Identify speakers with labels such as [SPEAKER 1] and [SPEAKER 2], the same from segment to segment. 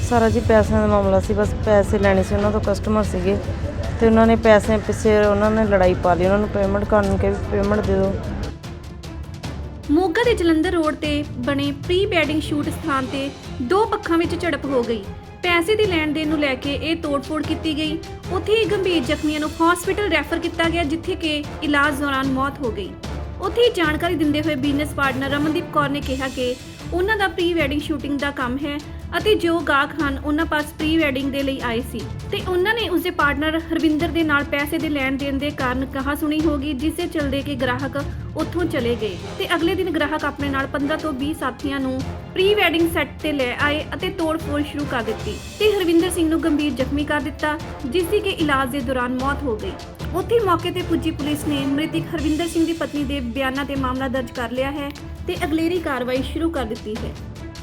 [SPEAKER 1] ਸਾਰਾ ਜੀ ਪੈਸਿਆਂ ਦਾ ਮਾਮਲਾ ਸੀ। ਬਸ ਪੈਸੇ ਲੈਣੇ ਸੀ ਉਹਨਾਂ ਤੋਂ, ਕਸਟਮਰ ਸੀਗੇ ਤੇ ਉਹਨਾਂ ਨੇ ਪੈਸੇ ਪਿੱਛੇ ਉਹਨਾਂ ਨੇ ਲੜਾਈ ਪਾ ਲਈ। ਉਹਨਾਂ ਨੂੰ ਪੇਮੈਂਟ ਕਰਨ ਨੂੰ ਕਿਹਾ ਵੀ ਪੇਮੈਂਟ ਦੇ ਦਿਓ।
[SPEAKER 2] ਮੋਗਾ ਦੇ ਜਲੰਧਰ ਰੋਡ ਤੇ ਬਣੇ ਪ੍ਰੀ ਵੈਡਿੰਗ ਸ਼ੂਟ ਸਥਾਨ ਤੇ ਦੋ ਪੱਖਾਂ ਵਿੱਚ ਝੜਪ ਹੋ ਗਈ। ਪੈਸੇ ਦੀ ਲੈਣ ਦੇਣ ਨੂੰ ਲੈ ਕੇ ਇਹ ਤੋੜ-ਫੋੜ ਕੀਤੀ ਗਈ। ਉੱਥੇ ਹੀ ਗੰਭੀਰ ਜ਼ਖਮੀਆਂ ਨੂੰ ਹਸਪੀਟਲ ਰੈਫਰ ਕੀਤਾ ਗਿਆ, ਜਿੱਥੇ ਕਿ ਇਲਾਜ ਦੌਰਾਨ ਮੌਤ ਹੋ ਗਈ। ਉੱਥੇ ਹੀ ਜਾਣਕਾਰੀ ਦਿੰਦੇ ਹੋਏ ਬਿਜ਼ਨਸ ਪਾਰਟਨਰ ਰਮਨਦੀਪ ਕੌਰ ਨੇ ਕਿਹਾ ਕਿ ਉਹਨਾਂ ਦਾ ਪ੍ਰੀ ਵੈਡਿੰਗ ਸ਼ੂਟਿੰਗ ਦਾ ਕੰਮ ਹੈ ਅਤੇ ਜੋ ਗਾਹਕ ਹਨ ਉਹਨਾਂ ਪਾਸ ਪ੍ਰੀ ਵੈਡਿੰਗ ਦੇ ਲਈ ਆਏ ਸੀ ਤੇ ਉਹਨਾਂ ਨੇ ਉਸਦੇ ਪਾਰਟਨਰ ਹਰਵਿੰਦਰ ਦੇ ਨਾਲ ਪੈਸੇ ਦੇ ਲੈਣ ਦੇਣ ਦੇ ਕਾਰਨ ਕਹਾ ਸੁਣੀ ਹੋਗੀ, ਜਿਸ ਦੇ ਚਲਦੇ ਕਿ ਗ੍ਰਾਹਕ ਉੱਥੋਂ ਚਲੇ ਗਏ ਤੇ ਅਗਲੇ ਦਿਨ ਗ੍ਰਾਹਕ ਆਪਣੇ ਨਾਲ 15 ਤੋਂ 20 ਸਾਥੀਆਂ ਨੂੰ ਪ੍ਰੀ ਵੈਡਿੰਗ ਸੈੱਟ ਤੇ ਲੈ ਆਏ ਅਤੇ ਤੋੜ-ਫੋੜ ਸ਼ੁਰੂ ਕਰ ਦਿੱਤੀ ਤੇ ਹਰਵਿੰਦਰ ਸਿੰਘ ਨੂੰ ਗੰਭੀਰ ਜ਼ਖਮੀ ਕਰ ਦਿੱਤਾ, ਜਿਸ ਦੀ ਕਿ ਇਲਾਜ ਦੇ ਦੌਰਾਨ ਮੌਤ ਹੋ ਗਈ। ਉੱਥੇ ਮੌਕੇ ਤੇ ਪੁੱਜੀ ਪੁਲਿਸ ਨੇ ਮ੍ਰਿਤਕ ਹਰਵਿੰਦਰ ਸਿੰਘ ਦੀ ਪਤਨੀ ਦੇ ਬਿਆਨਾਂ ਤੇ ਮਾਮਲਾ ਦਰਜ ਕਰ ਲਿਆ ਹੈ ਤੇ ਅਗਲੇਰੀ ਕਾਰਵਾਈ ਸ਼ੁਰੂ ਕਰ ਦਿੱਤੀ ਹੈ।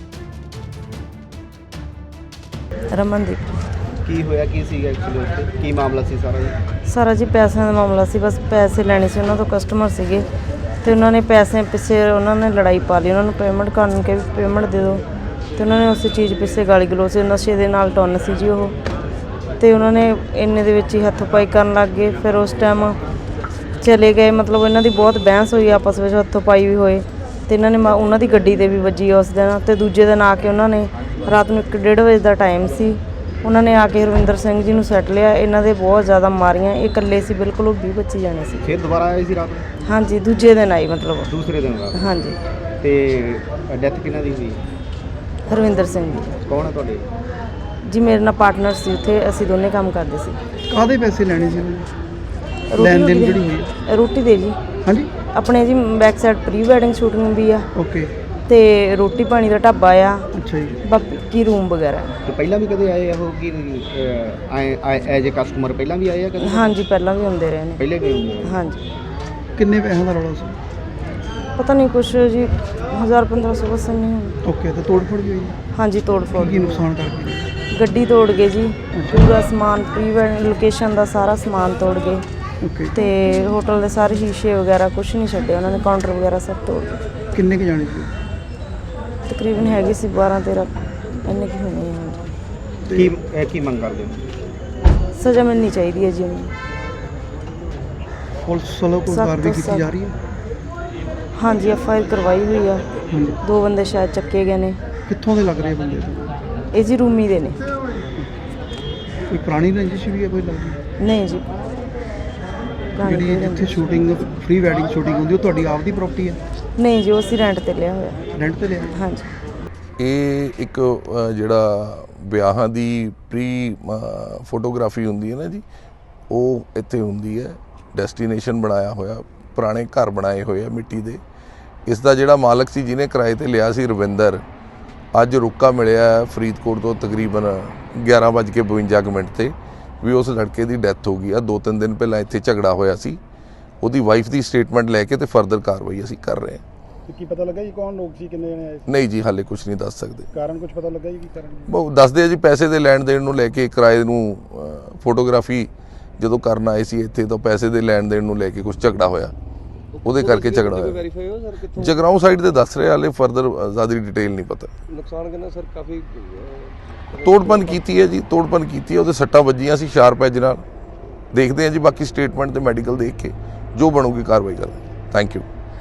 [SPEAKER 1] ਰਮਨਦੀਪ।
[SPEAKER 3] ਕੀ ਹੋਇਆ, ਕੀ ਸੀਗਾ ਐਕਚੁਅਲੀ ਉੱਥੇ, ਕੀ ਮਾਮਲਾ ਸੀ ਸਾਰਾ ਜੀ?
[SPEAKER 1] ਸਾਰਾ ਜੀ ਪੈਸਿਆਂ ਦਾ ਮਾਮਲਾ ਸੀ। ਬਸ ਪੈਸੇ ਲੈਣੇ ਸੀ ਉਹਨਾਂ ਤੋਂ, ਕਸਟਮਰ ਸੀਗੇ ਤੇ ਉਹਨਾਂ ਨੇ ਪੈਸੇ ਪਿੱਛੇ ਉਹਨਾਂ ਨੇ ਲੜਾਈ ਪਾ ਲਈ। ਉਹਨਾਂ ਨੂੰ ਪੇਮੈਂਟ ਕਰਨ ਨੂੰ ਕਿਹਾ ਵੀ ਪੇਮੈਂਟ ਦੇ ਦਿਓ ਤੇ ਉਹਨਾਂ ਨੇ ਉਸੇ ਚੀਜ਼ ਪਿੱਛੇ ਗਾਲੀ ਗਲੋਚ, ਨਸ਼ੇ ਦੇ ਨਾਲ ਟੁੰਨ ਸੀ ਜੀ ਉਹ, ਤੇ ਉਹਨਾਂ ਨੇ ਇੰਨੇ ਦੇ ਵਿੱਚ ਹੀ ਹੱਥ ਪਾਈ ਕਰਨ ਲੱਗ ਗਏ। ਫਿਰ ਉਸ ਟਾਈਮ ਚਲੇ ਗਏ, ਮਤਲਬ ਇਹਨਾਂ ਦੀ ਬਹੁਤ ਬਹਿਸ ਹੋਈ, ਆਪਸ ਵਿੱਚ ਹੱਥੋਂ ਪਾਈ ਵੀ ਹੋਏ ਤੇ ਇਹਨਾਂ ਨੇ ਉਹਨਾਂ ਦੀ ਗੱਡੀ 'ਤੇ ਵੀ ਵੱਜੀ ਉਸ ਦਿਨ। ਤੇ ਦੂਜੇ ਦਿਨ ਆ ਕੇ ਉਹਨਾਂ ਨੇ ਰਾਤ ਨੂੰ 1-1:30 ਵਜੇ ਦਾ ਟਾਈਮ ਸੀ, ਉਹਨਾਂ ਨੇ ਆ ਕੇ ਹਰਵਿੰਦਰ ਸਿੰਘ ਜੀ ਨੂੰ ਸੱਟ ਲਿਆ। ਇਹਨਾਂ ਦੇ ਬਹੁਤ ਜ਼ਿਆਦਾ ਮਾਰੀਆਂ, ਇਹ ਇਕੱਲੇ ਸੀ ਬਿਲਕੁਲ, ਉਹ 20-25 ਜਾਣੇ ਸੀ।
[SPEAKER 3] ਫਿਰ ਦੁਬਾਰਾ ਆਏ ਸੀ ਰਾਤ ਨੂੰ?
[SPEAKER 1] ਹਾਂਜੀ, ਦੂਜੇ ਦਿਨ ਆਈ, ਮਤਲਬ
[SPEAKER 3] ਦੂਸਰੇ ਦਿਨ ਰਾਤ।
[SPEAKER 1] ਹਾਂਜੀ।
[SPEAKER 3] ਤੇ ਡੈਥ ਕਿਹਨਾਂ ਦੀ ਹੋਈ?
[SPEAKER 1] ਹਰਵਿੰਦਰ ਸਿੰਘ ਜੀ।
[SPEAKER 3] ਕੌਣ ਹੈ ਤੁਹਾਡੇ?
[SPEAKER 1] ਜੀ ਮੇਰੇ ਨਾਲ ਪਾਰਟਨਰ ਸੀ ਉੱਥੇ, ਅਸੀਂ ਦੋਨੇ ਕੰਮ ਕਰਦੇ ਸੀ।
[SPEAKER 4] ਕਾਹਦੇ ਪੈਸੇ ਲੈਣੇ ਸੀ ਉਹਨੇ? ਲੈਣ ਦੇਣ ਜਿਹੜੀ ਹੋਈ?
[SPEAKER 1] ਰੋਟੀ ਦੇ ਜੀ।
[SPEAKER 4] ਹਾਂਜੀ।
[SPEAKER 1] ਆਪਣੇ ਜੀ back side pre wedding shooting ਵੀ ਆ
[SPEAKER 4] ਓਕੇ।
[SPEAKER 1] ਤੇ ਰੋਟੀ ਪਾਣੀ ਦਾ ਢਾਬਾ ਆ।
[SPEAKER 4] ਅੱਛਾ ਜੀ।
[SPEAKER 1] ਬਾਕੀ ਰੂਮ ਵਗੈਰਾ।
[SPEAKER 3] ਤੇ ਪਹਿਲਾਂ ਵੀ ਕਦੇ ਆਏ ਉਹ ਕੀ ਐਜ਼ ਏ ਕਸਟਮਰ ਪਹਿਲਾਂ ਵੀ ਆਏ ਆ ਕਦੇ?
[SPEAKER 1] ਹਾਂਜੀ, ਪਹਿਲਾਂ ਵੀ ਹੁੰਦੇ ਰਹੇ ਨੇ।
[SPEAKER 3] ਪਹਿਲੇ ਵੀ ਹੁੰਦੇ ਆ?
[SPEAKER 1] ਹਾਂਜੀ।
[SPEAKER 4] ਕਿੰਨੇ ਪੈਸਿਆਂ ਦਾ ਰੌਲਾ ਸੀ?
[SPEAKER 1] ਪਤਾ ਨਹੀਂ, ਕੁਛ ਜੀ 1000-1500 ਬਸ ਨਹੀਂ ਹੋਣਾ।
[SPEAKER 4] ਓਕੇ। ਤੇ ਤੋੜ ਫੋੜ ਵੀ ਹੋਈ?
[SPEAKER 1] ਹਾਂਜੀ, ਤੋੜ ਫੋੜ।
[SPEAKER 4] ਕੀ ਨੁਕਸਾਨ ਕਰਕੇ?
[SPEAKER 1] ਗੱਡੀ ਤੋੜ ਗਏ ਜੀ, ਪੂਰਾ ਸਮਾਨ ਪ੍ਰੀ ਵੈਡਿੰਗ ਲੋਕੇਸ਼ਨ ਦਾ ਸਾਰਾ ਸਮਾਨ ਤੋੜ ਗਏ
[SPEAKER 4] ਓਕੇ।
[SPEAKER 1] ਤੇ ਹੋਟਲ ਦੇ ਸਾਰੇ ਸ਼ੀਸ਼ੇ ਵਗੈਰਾ ਕੁਛ ਨਹੀਂ ਛੱਡੇ ਉਹਨਾਂ ਨੇ, ਕਾਊਂਟਰ ਵਗੈਰਾ ਸਭ ਤੋੜ ਗਏ।
[SPEAKER 4] ਕਿੰਨੇ ਕੁ ਜਾਣੇ ਸੀ?
[SPEAKER 1] ਤਕਰੀਬਨ ਹੈਗੀ ਸੀ 12-13 ਇੰਨੇ ਕੀ ਹੋਣੇ ਆ।
[SPEAKER 3] ਕੀ ਮੰਗ ਕਰਦੇ ਹੋ?
[SPEAKER 1] ਸਜ਼ਾ ਮਿਲਣੀ ਚਾਹੀਦੀ ਹੈ ਜੀ ਉਹਨੂੰ।
[SPEAKER 4] ਪੁਲਿਸ ਵੱਲੋਂ ਕੋਈ ਕਾਰਵਾਈ ਕੀਤੀ ਜਾ ਰਹੀ ਹੈ?
[SPEAKER 1] ਹਾਂਜੀ, FIR ਕਰਵਾਈ ਹੋਈ ਆ।
[SPEAKER 4] ਹਾਂਜੀ।
[SPEAKER 1] 2 ਬੰਦੇ ਸ਼ਾਇਦ ਚੱਕੇ ਗਏ ਨੇ।
[SPEAKER 4] ਕਿੱਥੋਂ ਦੇ ਲੱਗ ਰਹੇ ਬੰਦੇ?
[SPEAKER 1] ਇਹ ਜੀ ਰੂਮੀ ਦੇ ਨੇ।
[SPEAKER 4] ਕੋਈ ਪੁਰਾਣੀ ਰੰਜਿਸ਼ ਵੀ ਹੈ ਕੋਈ ਲੱਗਦੀ?
[SPEAKER 1] ਨਹੀਂ ਜੀ।
[SPEAKER 4] ਜਿਹੜੀ ਜਿੱਥੇ ਸ਼ੂਟਿੰਗ ਪ੍ਰੀ ਵੈਡਿੰਗ ਸ਼ੂਟਿੰਗ ਹੁੰਦੀ ਉਹ ਤੁਹਾਡੀ ਆਪਦੀ ਪ੍ਰਾਪਰਟੀ ਹੈ?
[SPEAKER 1] ਨਹੀਂ ਜੀ, ਉਹ ਅਸੀਂ ਰੈਂਟ ਤੇ ਲਿਆ ਹੋਇਆ।
[SPEAKER 4] ਰੈਂਟ ਤੇ ਲਿਆ?
[SPEAKER 1] ਹਾਂਜੀ।
[SPEAKER 5] ਇਹ ਇੱਕ ਜਿਹੜਾ ਵਿਆਹਾਂ ਦੀ ਪ੍ਰੀ ਫੋਟੋਗ੍ਰਾਫੀ ਹੁੰਦੀ ਹੈ ਨਾ ਜੀ, ਉਹ ਇੱਥੇ ਹੁੰਦੀ ਹੈ। ਡੈਸਟੀਨੇਸ਼ਨ ਬਣਾਇਆ ਹੋਇਆ, ਪੁਰਾਣੇ ਘਰ ਬਣਾਏ ਹੋਏ ਆ ਮਿੱਟੀ ਦੇ। ਇਸ ਦਾ ਜਿਹੜਾ ਮਾਲਕ ਸੀ ਜਿਹਨੇ ਕਿਰਾਏ ਤੇ ਲਿਆ ਸੀ, ਰਵਿੰਦਰ, ਅੱਜ ਰੁਕਾ ਮਿਲਿਆ ਫਰੀਦਕੋਟ ਤੋਂ ਤਕਰੀਬਨ 11:52 ਤੇ ਵੀ ਉਸ ਲੜਕੇ ਦੀ ਡੈਥ ਹੋ ਗਈ ਆ। 2-3 ਦਿਨ ਪਹਿਲਾਂ ਇੱਥੇ ਝਗੜਾ ਹੋਇਆ ਸੀ। ਉਹਦੀ ਵਾਈਫ ਦੀ ਸਟੇਟਮੈਂਟ ਲੈ ਕੇ ਤੇ ਫਰਦਰ ਕਾਰਵਾਈ ਅਸੀਂ ਕਰ ਰਹੇ ਹਾਂ।
[SPEAKER 6] ਕੀ ਪਤਾ ਲੱਗਾ ਜੀ ਕੌਣ ਲੋਕ ਸੀ, ਕਿੰਨੇ ਜਣੇ ਆਏ ਸੀ?
[SPEAKER 5] ਨਹੀਂ ਜੀ, ਹਾਲੇ ਕੁਝ ਨਹੀਂ ਦੱਸ ਸਕਦੇ।
[SPEAKER 6] ਕਾਰਨ ਕੁਝ ਪਤਾ ਲੱਗਾ ਜੀ ਕੀ ਕਾਰਨ?
[SPEAKER 5] ਬਹੁਤ ਦੱਸਦੇ ਆ ਜੀ, ਪੈਸੇ ਦੇ ਲੈਣ ਦੇਣ ਨੂੰ ਲੈ ਕੇ, ਕਿਰਾਏ ਨੂੰ ਫੋਟੋਗ੍ਰਾਫੀ ਜਦੋਂ ਕਰਨ ਆਏ ਸੀ ਇੱਥੇ ਤਾਂ ਪੈਸੇ ਦੇ ਲੈਣ ਦੇਣ ਨੂੰ ਲੈ ਕੇ ਕੁਝ ਝਗੜਾ ਹੋਇਆ, ਉਹਦੇ ਕਰਕੇ ਝਗੜਾ ਹੋਇਆ। ਜਗਰਾਉਂ ਸਾਈਡ ਦੇ ਦੱਸ ਰਹੇ, ਹਾਲੇ ਫਰਦਰ ਜ਼ਿਆਦਾ ਡਿਟੇਲ ਨਹੀਂ ਪਤਾ।
[SPEAKER 7] ਨੁਕਸਾਨ ਕਿੰਨਾ ਸਰ? ਕਾਫੀ
[SPEAKER 5] ਤੋੜਪਨ ਕੀਤੀ ਹੈ ਜੀ, ਤੋੜਪਨ ਕੀਤੀ ਹੈ। ਉਹਦੇ ਸੱਟਾਂ ਵੱਜੀਆਂ ਸੀ ਸ਼ਾਰਪ ਐਜ ਨਾਲ। ਦੇਖਦੇ ਹਾਂ ਜੀ ਬਾਕੀ ਸਟੇਟਮੈਂਟ ਤੇ ਮੈਡੀਕਲ ਦੇਖ ਕੇ ਜੋ ਬਣੂਗੀ ਕਾਰਵਾਈ ਕਰਾਂਗੇ। Thank you.